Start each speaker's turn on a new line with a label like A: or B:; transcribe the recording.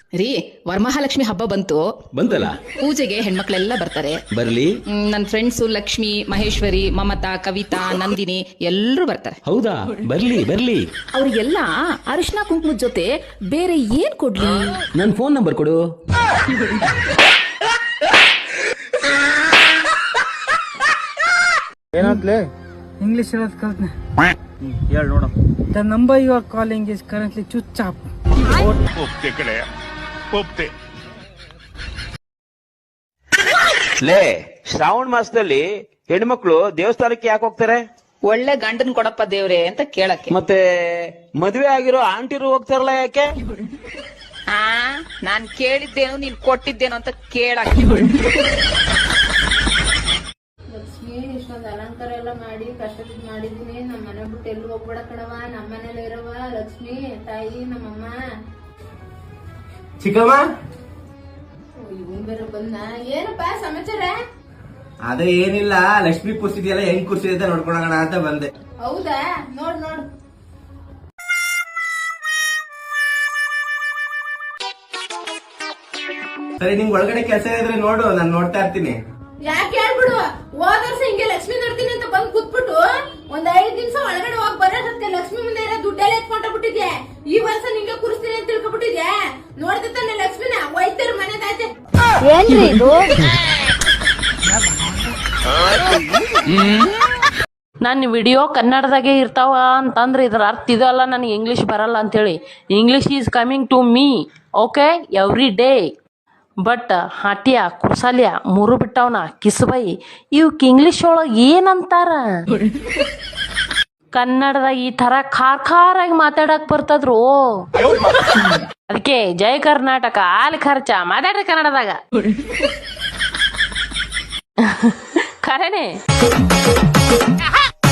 A: ರೀ ವರಮಹಾಲಕ್ಷ್ಮಿ ಹಬ್ಬ ಬಂತಲ್ಲ, ಪೂಜೆಗೆ ಹೆಣ್ಮಕ್ಳೆಲ್ಲ ಬರ್ತಾರೆ. ಬರ್ಲಿ. ನನ್ನ ಫ್ರೆಂಡ್ಸು ಲಕ್ಷ್ಮಿ, ಮಹೇಶ್ವರಿ, ಮಮತಾ, ಕವಿತಾ, ನಂದಿನಿ ಎಲ್ಲರೂ ಬರ್ತಾರೆ.
B: ಹೌದಾ? ಬರ್ಲಿ.
A: ಅವ್ರಿಗೆಲ್ಲ ಅರಿಶಿನ ಕುಂಕುಮದ ಜೊತೆ ಬೇರೆ ಏನ್ ಕೊಡ್ಲಿ?
B: ನನ್ನ ಫೋನ್ ನಂಬರ್ ಕೊಡು.
C: ಏನಾದ್ಲೆ? ಇಂಗ್ಲಿಷ್ ಹೇಳೋದು ಕಲ್ತ್ನೆ.
B: ಹೇಳಿ ನೋಡು.
C: The number you are calling is currently switch off.
D: ಒಪ್ತೆ ಕಡೆ ಒಪ್ತೆ.
E: ಲೇ, ಶ್ರಾವಣ ಮಾಸದಲ್ಲಿ ಹೆಣ್ಮಕ್ಳು ದೇವಸ್ಥಾನಕ್ಕೆ ಯಾಕೆ ಹೋಗ್ತಾರೆ?
A: ಒಳ್ಳೆ ಗಂಡನ್ ಕೊಡಪ್ಪ ದೇವ್ರೆ ಅಂತ ಕೇಳಕ್ಕೆ.
E: ಮತ್ತೆ ಮದ್ವೆ ಆಗಿರೋ ಆಂಟಿರು ಹೋಗ್ತಾರಲ್ಲ, ಯಾಕೆ?
A: ನಾನ್ ಕೇಳಿದ್ದೇನು ನೀನ್ ಕೊಟ್ಟಿದ್ದೇನು ಅಂತ ಕೇಳಕ್ಕೆ.
F: ಲಕ್ಷ್ಮಿ, ಇಷ್ಟೊಂದು ಅಲಂಕಾರ ಎಲ್ಲ ಮಾಡಿ ಕಷ್ಟಪಟ್ಟು ಮಾಡಿದೀನಿ. ನಮ್ಮ ಮನೆ ಬಿಟ್ಟು ಎಲ್ಲಿ ಹೋಗ್ಬೇಡ ಕಣವ, ನಮ್ಮ ಮನೇಲಿ ಇರವ. ಲಕ್ಷ್ಮಿ ತಾಯಿ, ನಮ್ಮಮ್ಮ.
G: ಚಿಕ್ಕಮ್ಮ,
F: ಇವನ್ ಬೇರೆ ಬಂದ. ಏನಪ್ಪ ಸಮಾಚಾರ?
G: ಅದೇ ಏನಿಲ್ಲ, ಲಕ್ಷ್ಮಿ ಕೂರ್ಸಿದ್ಯಲ್ಲ, ಹೆಂಗ್ ಕೂರ್ಸಿದೆ ನೋಡ್ಕೊಳೋಣ ಅಂತ ಬಂದೆ.
F: ಹೌದಾ? ನೋಡ್
G: ಸರಿ, ನಿಂಗ್ ಒಳಗಡೆ ಕೆಲಸ ಇದ್ರೆ ನೋಡು, ನಾನ್ ನೋಡ್ತಾ ಇರ್ತೀನಿ.
F: ಯಾಕೆ ಹೇಳ್ಬಿಡು. ಹೋದ ವರ್ಷ ಹಿಂಗೆ ಲಕ್ಷ್ಮಿ ನೋಡ್ತೀನಿ ಅಂತ ಬಂದ್ ಕೂತ್ಬಿಟ್ಟು ಒಂದ್ 5 ನಿಮಿಷ ಒಳಗಡೆ ಹೋಗಿ ಬರೋದಕ್ಕೆ ಲಕ್ಷ್ಮಿ ಮುಂದೆ ಇರೋ ದುಡ್ಡೆಲ್ಲ ಎತ್ಕೊಂಡ್ಬಿಟ್ಟಿದ್ಯಾ. ಈ ವರ್ಷ ನಿಂಗೆ ಕೂರಿಸ್ತೀನಿ ಅಂತ ತಿಳ್ಕೊಬಿಟ್ಟಿದ್ಯಾ. ನೋಡ್ದೆ ತಾನೆ ಲಕ್ಷ್ಮಿನ ಒಯ್ತಾರ ಮನೆದಾಯ್ತೆ.
H: ಏನ್ರಿ ಇದು? ನನ್ನ ವಿಡಿಯೋ ಕನ್ನಡದಾಗೆ ಇರ್ತಾವ ಅಂತಂದ್ರೆ ಇದ್ರ ಅರ್ಥ ಇದಲ್ಲ, ನನಗೆ ಇಂಗ್ಲೀಷ್ ಬರಲ್ಲ ಅಂತೇಳಿ. English is coming to me, okay, every day. But ಹಾಟ್ಯ, ಕುರ್ಸಾಲ್ಯ, ಮೂರು ಬಿಟ್ಟವನ ಕಿಸ್ಬೈ ಇವಕ್ಕೆ ಇಂಗ್ಲೀಷ್ ಒಳಗೆ ಏನಂತಾರ? ಕನ್ನಡದಾಗ ಈ ತರ ಖಾರಾಗಿ ಮಾತಾಡಕ್ ಬರ್ತದ್ರು. ಅದಕ್ಕೆ ಜೈ ಕರ್ನಾಟಕ, ಆಲ್ ಖರ್ಚ ಮಾತಾಡ್ರಿ ಕನ್ನಡದಾಗ. ಖರೇನೆ.